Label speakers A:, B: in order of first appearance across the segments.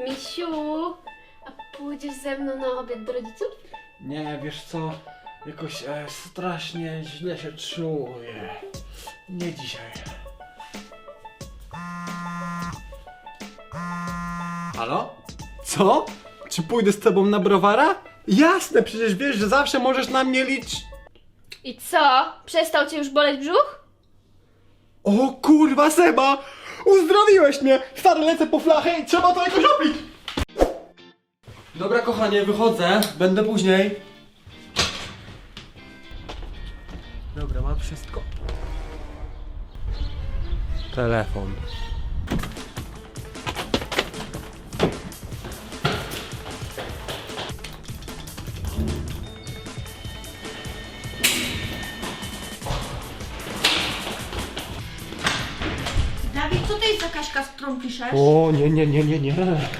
A: Misiu, a pójdziesz ze mną na obiad do rodziców?
B: Nie, wiesz co? Jakoś strasznie źle się czuję. Nie dzisiaj. Halo? Co? Czy pójdę z tobą na browara? Jasne, przecież wiesz, że zawsze możesz na mnie liczyć.
A: I co? Przestał cię już boleć brzuch?
B: O kurwa, Seba! Uzdrowiłeś mnie! Stary, lecę po flachę i trzeba to jakoś robić! Dobra, kochanie, wychodzę. Będę później. Dobra, mam wszystko. Telefon.
C: Dawid, co to jest za Kaśka, z którą piszesz?
B: O, nie.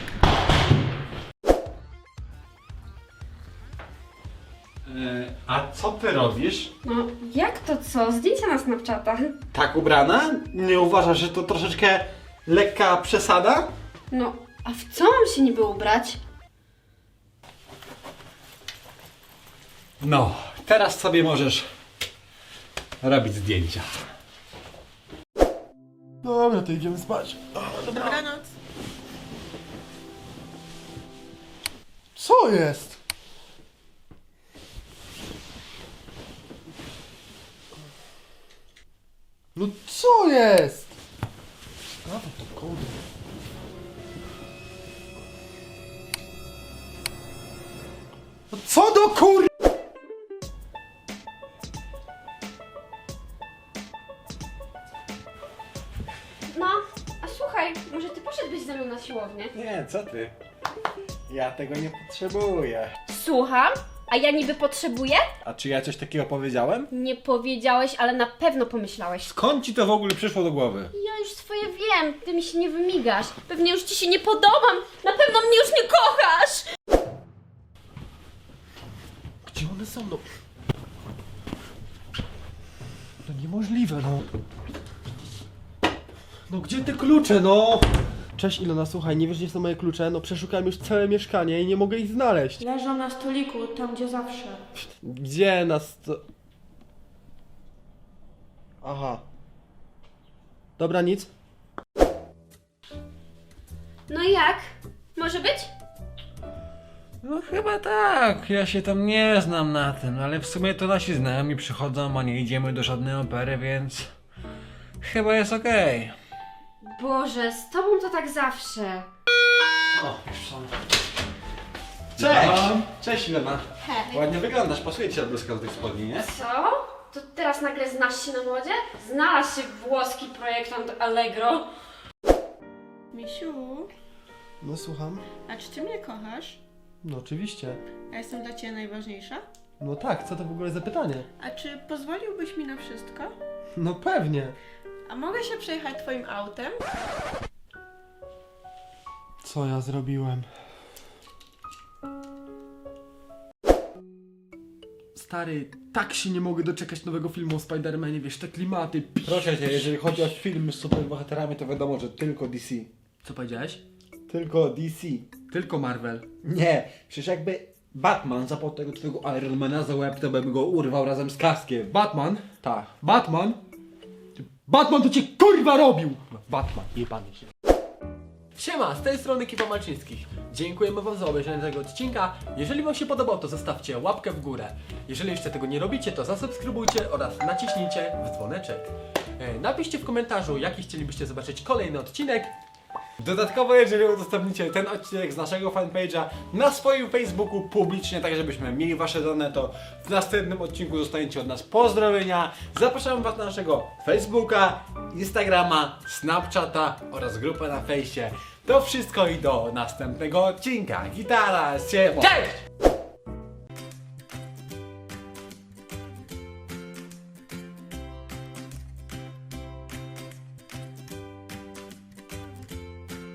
B: A co ty robisz?
A: No, jak to co? Zdjęcia na Snapchatach.
B: Tak ubrana? Nie uważasz, że to troszeczkę lekka przesada?
A: No, a w co mam się niby ubrać?
B: No, teraz sobie możesz robić zdjęcia. Dobra, to idziemy spać.
C: Dobranoc.
B: Co jest? No co jest? A to kurde. No co do kur...
A: No, a słuchaj, może ty poszedłbyś ze mną na siłownię?
B: Nie, co ty? Ja tego nie potrzebuję.
A: Słucham? A ja niby potrzebuję?
B: A czy ja coś takiego powiedziałem?
A: Nie powiedziałeś, ale na pewno pomyślałeś.
B: Skąd ci to w ogóle przyszło do głowy?
A: Ja już swoje wiem, ty mi się nie wymigasz. Pewnie już ci się nie podobam. Na pewno mnie już nie kochasz.
B: Gdzie one są? No, no niemożliwe, no. No gdzie te klucze, no? Cześć Ilona, słuchaj, nie wiesz gdzie są moje klucze? No przeszukałem już całe mieszkanie i nie mogę ich znaleźć.
C: Leżą na stoliku, tam gdzie zawsze.
B: Gdzie nas to... Aha. Dobra, nic.
A: No i jak? Może być?
D: No chyba tak, ja się tam nie znam na tym, ale w sumie to nasi znajomi przychodzą, a nie idziemy do żadnej opery, więc chyba jest okej.
A: Boże, z tobą to tak zawsze.
B: O, już są. Cześć! Cześć Ilona.
C: Hej.
B: Ładnie wyglądasz, pasuje ci ta bluzka do tych spodni, nie?
A: Co? To teraz nagle znasz się na modzie? Znalazł się włoski projektant Allegro.
C: Misiu,
B: No słucham.
C: a czy ty mnie kochasz?
B: No oczywiście.
C: A jestem dla ciebie najważniejsza?
B: No tak, co to w ogóle za pytanie?
C: A czy pozwoliłbyś mi na wszystko?
B: No pewnie.
C: A mogę się przejechać twoim autem?
B: Co ja zrobiłem? Stary, tak się nie mogę doczekać nowego filmu o Spider-Manie, wiesz, te klimaty.
D: Proszę cię, jeżeli chodzi o filmy z superbohaterami, to wiadomo, że tylko DC.
B: Co powiedziałeś?
D: Tylko DC.
B: Tylko Marvel.
D: Nie, przecież jakby Batman zapał tego twojego Ironmana za łeb, to bym go urwał razem z kaskiem.
B: Batman?
D: Tak.
B: Batman? Batman to cię kurwa robił! Batman, jebany się. Siema, z tej strony Ekipa Malczyńskich. Dziękujemy wam za obejrzenie tego odcinka. Jeżeli wam się podobał, to zostawcie łapkę w górę. Jeżeli jeszcze tego nie robicie, to zasubskrybujcie oraz naciśnijcie w dzwoneczek. Napiszcie w komentarzu, jaki chcielibyście zobaczyć kolejny odcinek.
D: Dodatkowo, jeżeli udostępnicie ten odcinek z naszego fanpage'a na swoim Facebooku publicznie, tak żebyśmy mieli wasze dane, to w następnym odcinku dostaniecie od nas pozdrowienia. Zapraszamy was na naszego Facebooka, Instagrama, Snapchata oraz grupę na fejsie. To wszystko i do następnego odcinka. Gitara, siema!
A: Cześć!